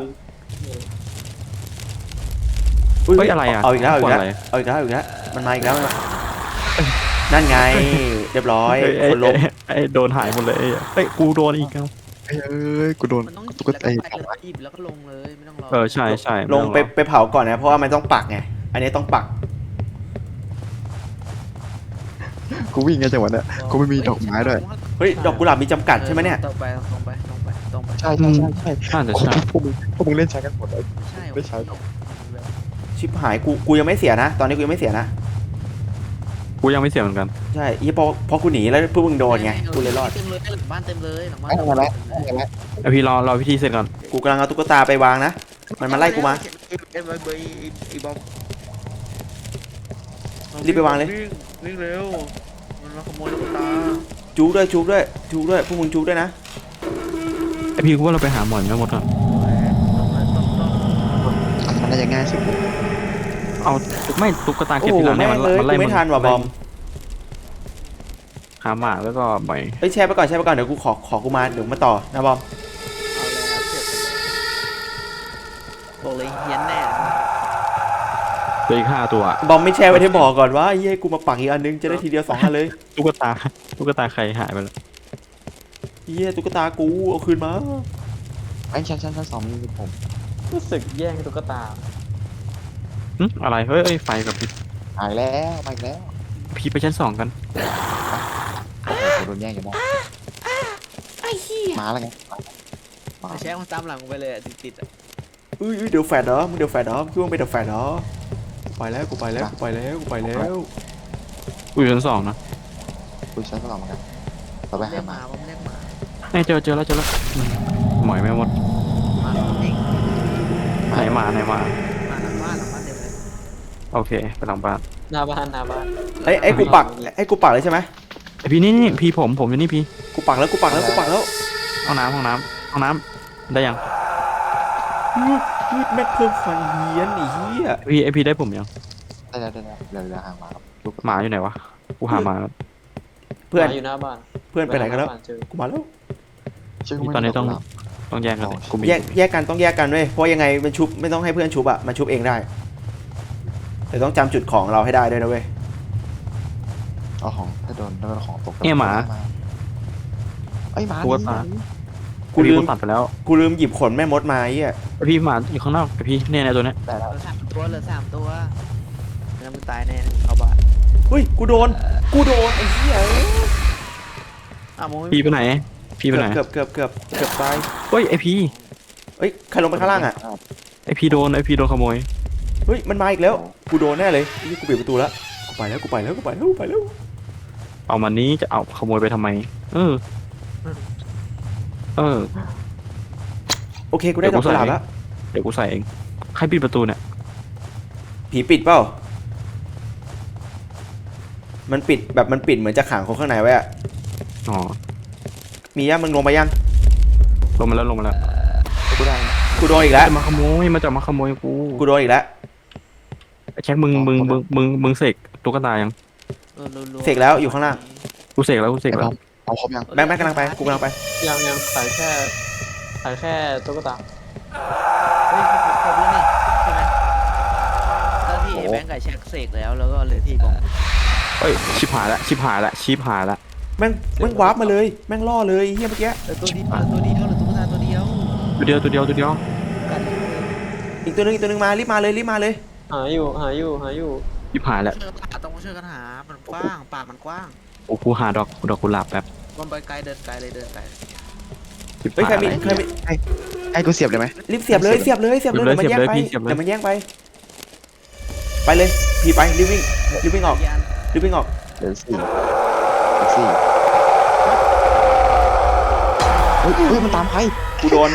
Speaker 1: อุ๊ย
Speaker 2: เฮ้ยอะไรอ่ะ
Speaker 1: เอาอีกแล้วเอาอีกแล้ว
Speaker 2: อะไร
Speaker 1: เอาอีกแล้วเอาอีกแล้วมันมาอีกแล้วมันมานั่นไงเรียบร้อย
Speaker 2: เอ้ย
Speaker 1: คนล้ม
Speaker 2: เอ้ยเอ้ยโดนหายหมดเลยเอ้ยเฮ้ยกูโดนอีกแล้ว
Speaker 3: เอ้ยเอ้ยกูโดน
Speaker 5: มันต้องหยิบ
Speaker 3: ตุ๊ก
Speaker 5: แล้ว
Speaker 3: ตา
Speaker 5: ก็
Speaker 3: ไอ้
Speaker 5: ไปเลยหยิบแล้วก็ลงเลยไม่ต้องรอ
Speaker 2: เออใช่ใช่
Speaker 1: ลงไปไปเผาก่อนนะเพราะว่ามันต้องปักไงอันนี้ต้องปัก
Speaker 3: กูวิ่งไงจังหวะเนี้ยกูไม่มีดอกไม้ด้วย
Speaker 1: เฮ้ยดอกกุหลาบมีจำกัดใช่ไหมเนี่ย
Speaker 5: ตรงไปตรงไปตรงไปตรงไป
Speaker 3: ใช่ใช่ใช่ใช่
Speaker 2: น่าจะ
Speaker 3: โอ้
Speaker 2: ใช่
Speaker 3: พวกมึงพวกมึงเล่นใช้กันหมดเลย
Speaker 5: ใช่
Speaker 3: ไม่ใช่หรอก
Speaker 1: ชิบหายกูกูยังไม่เสียนะ ตอนนี้กูยังไม่เสียนะ
Speaker 2: กูยังไม่เสียเหมือนกัน
Speaker 1: ใช่ยี่พอพอกูหนีแล้วพวกมึงโดนไงกูเลยรอด
Speaker 5: เต็มเลยหลังบ้านเต็มเลยหลังบ้าน
Speaker 3: ไม่
Speaker 5: เต็ม
Speaker 3: มา
Speaker 5: เล
Speaker 3: แล้ว
Speaker 5: ย
Speaker 3: ไม่มาแล้ว
Speaker 2: ไอพี่รอรอพิธีเสร็จก่อน
Speaker 1: กูกำลังเอาตุ๊กตาไปวางนะมันมาไล่กูมา
Speaker 5: เอ็มไอเบย์ไอ้บอม
Speaker 1: รีบไปวางเลย
Speaker 5: วิ่งเร็วมันมาขโมยลูกตา
Speaker 1: จูด้วยจูด้วยจูด้วยพวกมึงจูด้วยนะ
Speaker 2: ไอพี่กูว่าเราไปหาหมอนไม่หมดอ่ะ
Speaker 3: มันน่าจะง่ายสุด
Speaker 2: เอาไม่ตุ๊กตา
Speaker 1: โอ้
Speaker 2: เก็บ
Speaker 1: โห
Speaker 2: ทีหลังเนี่
Speaker 1: แม่
Speaker 2: ย
Speaker 1: ง
Speaker 2: มัน
Speaker 1: เลย
Speaker 2: มันไล่
Speaker 1: กูไม่ทันว่ะบอม
Speaker 2: หาหมากแล้วก็ใบ
Speaker 1: เฮ้ยแชร์ไปก่อนแชร์ไปก่อนเดี๋ยวกูขอขอกูมาเดี๋ยวมาต่อนะบอม
Speaker 5: เอาเลยครับเสียบไปเลยบอกเลยเฮียนแน่
Speaker 2: เหลยห้าตัว
Speaker 1: บอมไม่แชร์ไว้ให้บอกก่อนว่าเฮ้ยกูมาปักอีกอันนึงจะได้ทีเดียวสองอันเลย
Speaker 2: ตุ๊กตาตุ๊กตาใครหายไปแล้ว
Speaker 1: เฮ้ยตุ๊กตากูเอาคืนมา
Speaker 3: ไอ้ชั้นชั้นชั้นสองมีผม
Speaker 4: รู้สึกแย่งตุ๊กตา
Speaker 2: หึอะไรเฮ้ยเอ้ยไฟกับพี่
Speaker 3: หายแล้วมาอีกแล้ว
Speaker 2: พี่ไปชั้นสองกัน
Speaker 3: โอ้โหโดนแย่งอยู่นะมาแล้วไงมา
Speaker 5: แชร์มันตามหลังไปเลยติดติดๆอะ
Speaker 1: อุ้ยอุ้ยเดี๋ยวแฟดเหรอมึงเดี๋ยวแฟดเหรอคิดว่าไม่เดี๋ยวแฟดเหรอกูไปแล้วกูไปแล้วกูไปแล้วกูไปแล้ว
Speaker 2: กูอยู่ชั้นสองนะ
Speaker 3: คุยชั้นสองเหมือนกันต่อไป
Speaker 5: เรีย
Speaker 3: หาก
Speaker 5: ห
Speaker 3: มา
Speaker 5: มาผมเรียกหมา
Speaker 2: เอ้ยเจอเจอแล้วเจอแล้วอืมหมอยไม่หมด
Speaker 5: หมาผมเอง
Speaker 2: ไหนมาไหนมา
Speaker 5: หมาหลังบ้านหลังบ้านเต็มเลย
Speaker 2: โอเคไปหลังบ้าน
Speaker 4: หน้าบ้านหน้าบ้าน
Speaker 1: ไอ้ไอ้กูปักไอ้กูปักเลยใช่ไหม
Speaker 2: ไอพี่นี่นี่พี่ผมผมอยู่นี่พี่
Speaker 1: กูปักแล้วกูปักแล้วกูปักแล้ว
Speaker 2: ห้องน้ำห้องน้ำห้องน้ำได้ยัง
Speaker 1: ยืดยืดแม่งเพิ่มความเฮี้ยนไอ้เหี้ย
Speaker 2: พี่ไอพี่ได้ผมยัง
Speaker 3: ได้แล้วได้แล้วเดี๋ยวเดี๋ยวห่างมาครับลูก
Speaker 2: หมาอยู่ไหนวะกูหาหมาแล้ว
Speaker 1: เพื่อน
Speaker 4: หมาอยู่หน้าบ้าน
Speaker 1: เพื่อนไปไหนกันแล้ว
Speaker 4: บ้าเจอ
Speaker 1: กูมาแล้ว
Speaker 3: ชื่อกูไม่
Speaker 2: ตอนนี้ต้อง
Speaker 3: รู้หรก
Speaker 2: ต้องแยกกันเลยกูมี
Speaker 1: แยกแยกกันต้องแยกกันด้วยเพราะยังไงมันชุบไม่ต้องให้เพื่อนชุบอะมันชุบเองได้แต่ต้องจำจุดของเราให้ได้ด้วยนะเว้ย
Speaker 3: เอาของถ้าโดนถ้าโดนของตก
Speaker 2: เนี่ยหมา
Speaker 3: ไอ้ยหมา
Speaker 2: ตัว
Speaker 3: นี่
Speaker 2: ตา
Speaker 1: กูลืม
Speaker 2: ตัดไปแล้ว
Speaker 1: กูลืมหยิบขนแม่มดมาไอ้เหี้ย
Speaker 2: ไอพี่หมาอยู่ข้างนอกไอพี่เนี่ยในตัวเนี้ย
Speaker 3: ได้แล้ว
Speaker 5: เหลือสามตัวเหลือสามตัวแล้วมึงตายแน่เข้าบ้าน
Speaker 1: เฮ้ยกูโดนกูโดนไอ้เหี้ย
Speaker 5: อ้าวมึงไม่
Speaker 2: พี่ไปไหนพี่ไปไหน
Speaker 1: เกือบเกือบเกือบเกือบตาย
Speaker 2: เฮ้ยไอพี่
Speaker 1: เฮ้ยใครลงไปข้างล่างอะ
Speaker 2: ไอพี่โดนไอพี่โดนขโมย
Speaker 1: เฮ้ยมันมาอีกแล้วกูโดนแน่เลยนี่กูปิดประตูแล้วกูไปแล้วกูไปแล้วกูไปแล้วกูไปแล้ว
Speaker 2: เอามันนี้จะเอาขโมยไปทำไม เออเออ
Speaker 1: โอเคกูได้ดอกกุหลาบแล้ว
Speaker 2: เดี๋ยวกูใส่เองใครปิดประตูเนี่ย
Speaker 1: ผีปิดเปล่ามันปิดแบบมันปิดเหมือนจะขังคนข้างในไว้อะ
Speaker 2: อ๋อ
Speaker 1: มียังมึงลงไปยัง
Speaker 2: ลงมาแล้วลงมาแล้ว
Speaker 3: กูได้
Speaker 1: กูโดนอีกแล้ว
Speaker 2: จะมาขโมยมันจะมาขโมยกู
Speaker 1: กูโดนอีกแล้ว
Speaker 2: ไอ้แจ็คมึงมึงมึงมึงมึงเสกตุ๊กตายัง
Speaker 5: เออรัวๆ
Speaker 1: เสกแล้วอยู่ข้างล่าง
Speaker 2: กูเสกแล้วกูเสก
Speaker 3: ไอ้บ
Speaker 2: แล้
Speaker 3: อ
Speaker 2: ว
Speaker 3: มเอาครบยัง
Speaker 1: แบงค์แบงค์กำลังไปกูกำลังไป
Speaker 4: ยังยังขายแค่ขายแค่ตุ๊กตา
Speaker 5: เฮ้ยครบแล้วนี่ใช่ไหมตอนที่ไอ้แบงค์กับแช็คเสกแล้วแล้วก็เหลือที่บอม
Speaker 2: เฮ้ยชิบหายละชิบหายละชิบหายละ
Speaker 1: แม่งแม่งวาร์ปมาเลยแม่งล่อเลยเฮียเมื่อกี้
Speaker 5: เหลือตัวเดียวเหลือตัวเดียวเหลือตุ๊กตาตัวเดียว
Speaker 2: ตัวเดียวตัวเดียวตัวเดียว
Speaker 5: กันเลย
Speaker 1: อีกตัวหนึงอีกตัวหนึงมารีบมาเลยรีบมาเลย
Speaker 4: หาอยู่หาอยู่หาอยู่
Speaker 2: ชิบหายละ
Speaker 5: เชื่อป่าต้องมาช่วยกันหา มันกว้างป่ามันกว้าง
Speaker 2: โอ้กูหาดอกดอกกุหลาบแป๊บ
Speaker 5: มันไปไกลเดินไกลเลยเดินไกล
Speaker 2: ชิบ
Speaker 1: เฮ้ย
Speaker 2: หา
Speaker 1: ใคร
Speaker 2: ย
Speaker 1: มี
Speaker 2: ละ
Speaker 1: ใครมี
Speaker 3: ไอ้กูเสียบเลยไหม
Speaker 1: รีบเสียบเลยเสียบเลยเสียบเลย
Speaker 2: เสี
Speaker 1: เดี๋ย
Speaker 2: ย
Speaker 1: ว
Speaker 2: บ
Speaker 1: มัน
Speaker 2: เลย
Speaker 1: แย่งไป
Speaker 2: พี่เสียบเลย
Speaker 1: เดี๋ยวมันแย่งไปไปเลยพี่ไปรีบวิ่งรีบวิ่งออก
Speaker 5: ยาน
Speaker 1: รีบวิ่งออก
Speaker 3: เดี๋ยวสี่เดี๋ยวสี่เฮ้ยเฮ้ยมันตามใคร
Speaker 1: กูโดน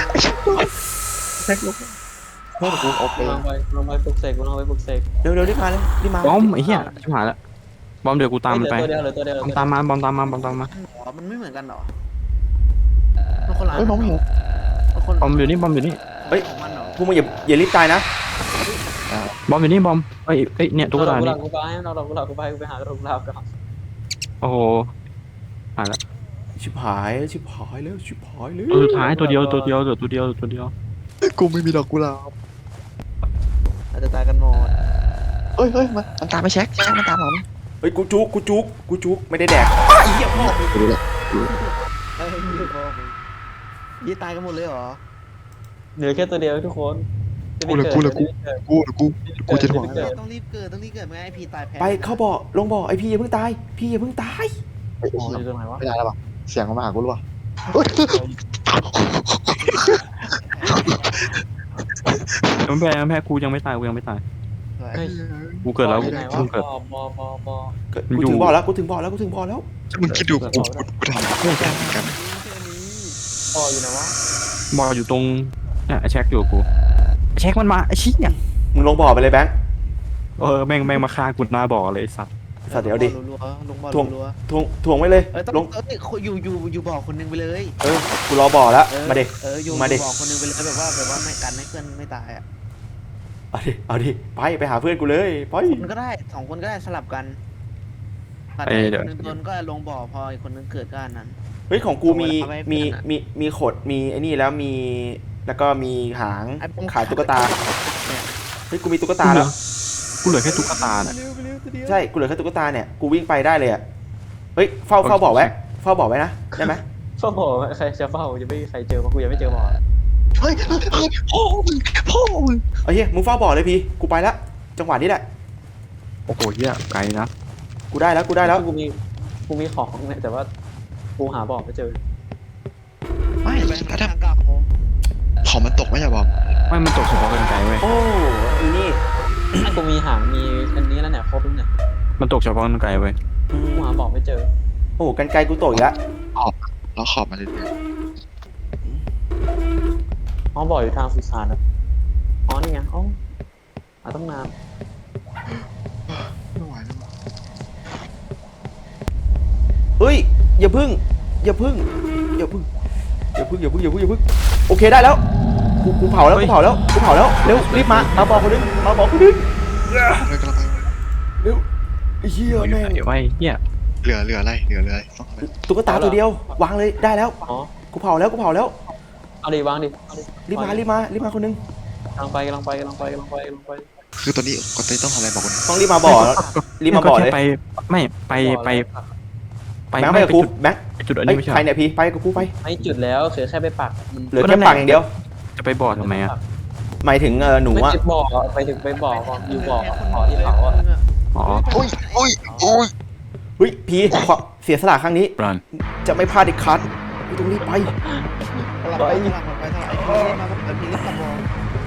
Speaker 3: เพื่อนกูโอเค
Speaker 4: ลงไปลงไปปลุกเสกลงไปปลุกเสก
Speaker 1: เร็วเร็วรีบมาเลยรีบมา
Speaker 2: บอมไอ้เหี้ยชิบหายละบอมเดี๋ยวกูตามมันไป
Speaker 4: เฮ้ยเหลือตัวเดียวเหลือตัวเดียว
Speaker 2: บอมตามมาบอมตามมาบอมตามมา
Speaker 5: อ๋อมันไม่เหมือนกันเหรอมันคนละ
Speaker 3: เฮ้ยมองไม่เห็น
Speaker 5: มันคน
Speaker 2: บอมอยู่นี่บอมอยู่นี่
Speaker 1: เฮ้ย
Speaker 5: ของมันเหรอ
Speaker 1: พวกมึงอย่าอย่ารีบตายนะ
Speaker 2: บอมอยู่นี่บอมเอ้ยเอ้ยเนี่ยตุ๊กตา
Speaker 4: เอ
Speaker 2: นี่
Speaker 4: ดอกกุหลาบกูไปเอาดอกกุหลาบกูไปกูไปหาดอกกุหลาบก่อน
Speaker 2: โอ้โหหายละ
Speaker 1: ชิบหายชิบหายแล้วชิบหายแล้ว
Speaker 2: ตัวสุดท้ายตัวเดียวตัวเดียวเหลือตัวเดียวตัวเดียว
Speaker 3: กูไม่มีดอกกุหลาบ
Speaker 5: อาจจะตายกันหมด
Speaker 3: เฮ้ยเฮ้ยมันมันตามไปเช็คแช็คมันตามเราเนี่ย
Speaker 1: เฮ้ยกูจุกกูจุกกูจุกไม่ได้แดกอ้าวไอ้เหี้ยพ่อ
Speaker 3: กูรู้แล้ว
Speaker 5: เฮ้ยอยู่พอยี่ตายกันหมดเลยเหรอ
Speaker 4: เหลือแค่ตัวเดียวทุกคน
Speaker 3: กูเลยกูเลยกูกูเลยกูกูจะถ่วง
Speaker 5: ต้องรีบเกิดต้องรีบเกิดไม่งั้นไอพีตายแพ้
Speaker 1: ไปเข้าบ่อลงบ่อไอพี่อย่าเพิ่งตายพี่อย่าเพิ่งตาย
Speaker 3: เฮ้ย
Speaker 4: อ๋ออยู่ตรงไหนวะ
Speaker 3: ไม่ได้แล้วป่ะเสียงมันมาหากูหรือเปล่า
Speaker 2: ยังไม่แพ้ยังไม่แพ้กูยังไม่ตายกูยังไม่ตาย
Speaker 5: เฮ้ย
Speaker 2: กูเกิดแล้ว
Speaker 4: อยู่ไหนวะ
Speaker 2: กูเกิด
Speaker 4: บอบอบอบอ
Speaker 1: กูถึงบ่อแล้วกูถึงบ่อแล้วกูถึงบ่อแล้ว
Speaker 3: มึงคิดดูกูกูกูทำเพื่อนกันกัน
Speaker 4: บออยู่ไหนวะ
Speaker 2: บอลอยู่ตรงเนี่ยไอ้แช็คอยู่กับกูไอ้แช็คมันมาไอ้ชี้เนี่ย
Speaker 1: มึงลงบ่อไปเลยแบงค์
Speaker 2: เออแม่งแม่งมาฆ่ากูหน้าบ่อเลยไอ้สัตว์
Speaker 1: สัตว์เดี๋ยวดิ
Speaker 5: รัวๆลงบอล
Speaker 1: ทวง
Speaker 5: รัว
Speaker 1: ทวงทวงไว้เลย
Speaker 5: ๆเออต้อง
Speaker 1: ลง
Speaker 5: เอ้ยอยู่อยู่อยู่บอกคนนึงไปเลย
Speaker 1: เออกูรอบ่อแล้ว
Speaker 5: เออ
Speaker 1: มาดิ
Speaker 5: เอออยู่
Speaker 1: มาดิ
Speaker 5: บอกคนนึงไปเลยแบบว่าแบบว่าไม่กันให้เพื่อนไม่ตายอ่ะ
Speaker 1: เอาดิเอาดิไปไปหาเพื่อนกูเลยไป
Speaker 5: คนก็ได้สองคนก็ได้สลับกันผัด
Speaker 2: เอ้ย
Speaker 5: ให้
Speaker 2: เดี๋
Speaker 5: ค
Speaker 2: ยว
Speaker 5: นนึงโดนก็ลงบ่อพออีกคนนึงเกิดก็อันนั้น
Speaker 1: เฮ้ยของกูมี
Speaker 5: เอาไว้ให้
Speaker 1: มี
Speaker 5: เพื่อนอะ
Speaker 1: มีมีขดมีไอ้นี่แล้วมีแล้วก็มีหาง
Speaker 5: ไอ้พว
Speaker 1: ขาตุ๊กตา
Speaker 5: เนี่ย
Speaker 1: เฮ้ยกูมีตุ๊กตาแล้ว
Speaker 2: กูเหลือแค่ตุ๊กตาน่ะ
Speaker 1: ใช่กูเหลือแค่ตุ๊กตาเนี่ยกูวิ่งไปได้เลยอ่ะเฮ้ยเฝ้าเฝ้าบ่อไว้เฝ้าบ่อไว้นะได้ไหม
Speaker 4: เฝ้าบอใครจะเฝ้าจะไม่มีใครเจอมากูยังไม่เจอบอ
Speaker 3: เฮ้ยเฮ้ยเฮ้ยพ่อมึงพ่อมึง
Speaker 1: เฮ้ยมึงเฝ้าบ่อเลยพี่กูไปแล้วจังหวะนี้แหละ
Speaker 2: โอ้โหเหี้ยไกลนะ
Speaker 1: กูได้แล้วกูได้แล้ว
Speaker 4: กูมีกูมีของเนี่ยแต่ว่ากูหาบอไม่เจอ
Speaker 3: ไม่
Speaker 5: ไป
Speaker 3: แล้ว
Speaker 5: ทา
Speaker 3: ถ้าง
Speaker 5: กลับผม
Speaker 3: ของมันตกไม่ใช่บอม
Speaker 2: ไม่มันตกเฉพาะกันไกลเว้ย
Speaker 1: โอ้อีนี่
Speaker 4: กูมีหางมีอันนี้แล้วเนี่ยครบแล้วเนี่ย
Speaker 2: มันตกเฉพาะกันไกลเว้ย
Speaker 4: กูหาบอไม่เจอ
Speaker 1: โอ้กันไกลกูตกอีกแล้ว
Speaker 3: แล้วขอบมาเลยเนี่ย
Speaker 4: อ๋อบออยู่ทางสุสานนะอ๋อนี่ไงอ๋อหาต้องนาน
Speaker 3: ไม่ไหวแล้ว
Speaker 1: เฮ้ยอย่าพึ่งอย่าพึ่งอย่าพึ่งอย่าพึ่งอย่าพึ่งอย่าพึ่งอย่าพึ่งโอเคได้แล้วกูกูเผาแล้วกูเผาแล้วกูเผาแล้วเร็วรีบมามาบอกคนนึงมาบอกคนนึง
Speaker 3: เลยกำลังไป
Speaker 1: เร็วไอ้เหี้ย
Speaker 2: อยู่
Speaker 1: แม่
Speaker 2: ไหน
Speaker 1: ง
Speaker 2: ไว้เหี้ย
Speaker 3: เหลือเหลืออะไรเหลือเหลืออะไรต้องอะไร
Speaker 1: ตุ๊กตาตัวเดียววางเลยได้แล้ว
Speaker 4: อ๋อ
Speaker 1: กูเผาแล้วกูเผาแล้ว
Speaker 4: เอาดิวางดิเอาดิ
Speaker 1: รีบมารีบมารีบมาคนนึง
Speaker 4: กำลังไปกำลังไปกำลังไปกำลังไปกำลังไป
Speaker 3: คือตอนนี้ก็ต้องทำอะไรบอกคน
Speaker 1: ต้องรีบมาบ่อแล้วรีบมาบ่อเลย
Speaker 2: แค่ไปไม่ไปไปไป
Speaker 1: แบงค์ไป
Speaker 2: ไม่
Speaker 1: กับ
Speaker 2: ไป
Speaker 1: กู
Speaker 2: จุด
Speaker 1: แบงค์
Speaker 2: ไปจุดอัน
Speaker 1: เอ้
Speaker 2: นี้
Speaker 1: ย
Speaker 2: ไม่ใช่
Speaker 1: ใครเนี่ยพี่ไปกับกูไป
Speaker 4: ไม่จุดแล้วคือแค่ไปปักมัน
Speaker 1: เหลือแค่ปากอย่างเดียว
Speaker 2: จะไปบ่อทำไมอ่ะ
Speaker 1: หมายถึงเออหนู
Speaker 4: ไม่
Speaker 1: อะ
Speaker 4: ติดบ่อไปถึงไปบ่อก่อนอยู่บ่อขอที่เขาอ่ะ
Speaker 2: อ๋อ
Speaker 3: โอ้ยโอ้ยโอ้ย
Speaker 1: เฮ้ยพี่ขอเสียสละครั้งนี้
Speaker 2: รัน
Speaker 1: จะไม่พลาดอีกครั้งกูต้องรีบไป
Speaker 5: สลับไปสลับไปสลับไอ้พีเล่นมาไอ้พีเล่นตะบอล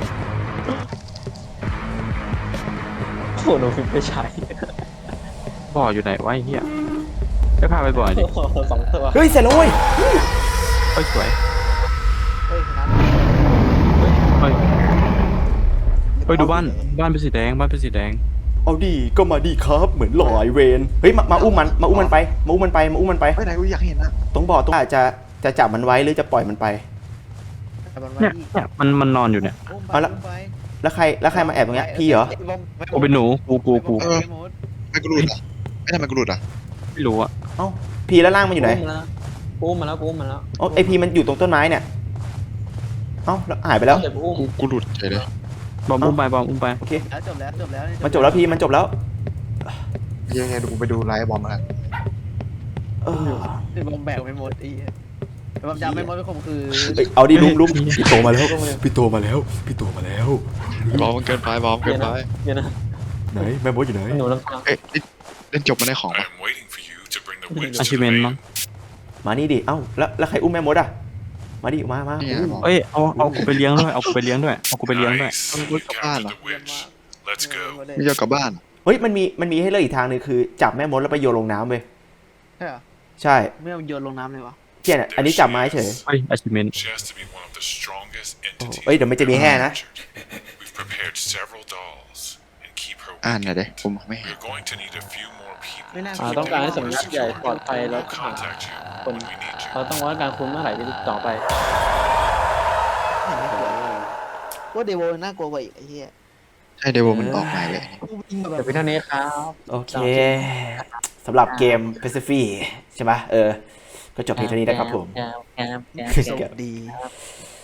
Speaker 4: โอ้โหหนูฟิปไปใช้
Speaker 2: บ่ออยู่ไหนวะไอ้เหี้ยไปพาไปบ่อดิ
Speaker 4: สองตัว
Speaker 1: เฮ้ยเสร็จแล้วเว้ย
Speaker 2: เฮ้ยสวย
Speaker 5: เฮ้ยชนะ
Speaker 2: เฮ้ยเฮ้ยดูบ้านบ้านเป็นสีแดงบ้านเป็นสีแดง
Speaker 1: เอาดีก็มาดีครับเหมือนหลอยเวนเฮ้ยมามาอุ้มมันมาอุ้มมันไปมาอุ้มมันไปมาอุ้มมันไป
Speaker 3: ไปไหนกูอยากเห็นอ่ะ
Speaker 1: ตรงบ่อตรงอาจจะจะจับมันไว้หรือจะปล่อยมันไป
Speaker 5: แต่บอล
Speaker 2: เนี่ยเนี่ยมันมันนอนอยู่เนี่ย
Speaker 1: เอาละ แล้วใครแล้วใครมาแอบตรงเนี้ยพี่เหรอ
Speaker 2: กูเป็นหนูกูกูกู
Speaker 3: ไม่กูหลุดอ่ะไม่ทำไมกูหลุดอ่ะ
Speaker 2: ไม่รู้อ่ะ
Speaker 1: เอ้าพี่แล้วล่างมันอยู่ไหน
Speaker 4: กูอุ้มมาแล้วกูอุ้มมาแล้ว
Speaker 1: อ๋อไอพี่มันอยู่ตรงต้นไม้เนี่ยเอ้าแล้วหายไปแล้ว
Speaker 4: เดี๋ยวกูอุ้ม
Speaker 3: กูกูหลุดเฉยเลย
Speaker 2: บอมอุ้มไปบอมอุ้มไป
Speaker 1: โอเค
Speaker 5: แล้วจบแล้วจบแล้ว
Speaker 1: มันจบแล้วพี่มันจบแล้ว
Speaker 3: ยังไงดูกูไปดูไลฟ์บอมมา
Speaker 1: เออ
Speaker 5: บอมแบกไปหมดไอ้บอมจำไม่หมดไปข่มคือ
Speaker 1: เอ้ยเอาดิลุงลุงพี่โตมาแล้วพี่โตมาแล้วพี่โตมาแล้ว
Speaker 3: บอมมันเกินไปบอมเกินไป
Speaker 4: เดี๋ยวนะ
Speaker 1: ไหนแม่มดอยู่ไหน
Speaker 4: หนูลำพัง
Speaker 3: เอ๊ะเล่นจบมาได้ของปะ
Speaker 6: I'm waiting for you to bring the winds
Speaker 2: อา
Speaker 6: to
Speaker 2: ชี
Speaker 6: the
Speaker 2: เมน
Speaker 6: main.
Speaker 2: มั้ง
Speaker 1: มานี่ดิเอ้าแล้วแล้วใครอุ้มแม่มดอ่ะมาดิมามา
Speaker 3: นี่ไงบอม
Speaker 2: เอ้ยเอาเอากูไปเลี้ยงด้วยเอากูไปเลี้ยงด้วยเอากูไปเลี้ยงด้วย
Speaker 6: Nice.
Speaker 3: Ang
Speaker 6: We
Speaker 3: good ka ba,
Speaker 6: captured
Speaker 3: no?
Speaker 6: the witch. Let's go.
Speaker 3: ไม่ยอมกลับบ้าน
Speaker 1: เฮ้ยมันมีมันมีให้เลือกอีกทางหนึงคือจับแม่มดแล้วไปโยนลงน้ำเว้ย
Speaker 5: ใช่เหรอ
Speaker 1: ใช่
Speaker 5: ไม่เอาโยนลงน้ำเลยวะ
Speaker 1: เที่ยเนี่ยอันนี้จับไม้เฉย
Speaker 2: เฮ้ยอาชีเมน
Speaker 6: She has to be one of the strongest
Speaker 1: โอ้
Speaker 6: entities
Speaker 1: เอ้ยเดี๋ยวมันจะมีแห่นะ
Speaker 6: captured. We've prepared several dolls and keep her
Speaker 3: อ่านหน่อย
Speaker 6: weakened.
Speaker 3: ดิผมไม่เห็น
Speaker 6: We're going to need a few more people
Speaker 5: ไม่น่า
Speaker 4: อ่าต้องการให้สำนักใหญ่ปลอดภัยแล้ว
Speaker 6: We'll contact you
Speaker 4: คน
Speaker 6: when we need you.
Speaker 4: เราต้องว่าการคุณเมื่อไหร่ที่ต่อไป
Speaker 5: ไม่กลัวว่าเดโวน่ากลัวกว่าอีกไอ้เหี้ย
Speaker 3: ใช่เดวมันออกมาเลย
Speaker 5: กูวิ่งมาแบ
Speaker 4: เดี๋ย
Speaker 5: บ
Speaker 4: วเพียงเท่านี้ครับ
Speaker 1: โอเคสำหรับเกม Pacific ใช่ไหมเออ ก็จบเพียงเท่านี้นะครับผม
Speaker 4: แกมแกมแกม
Speaker 5: ส
Speaker 4: แก
Speaker 5: วั
Speaker 4: ม
Speaker 5: สดี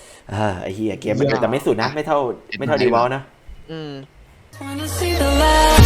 Speaker 1: อ่าไอ้เหี้ยเกมมันแต่ไม่สุดนะ ไม่เท่าไม่เท่าดีวอลนะ
Speaker 5: อืม
Speaker 7: Wanna see the light.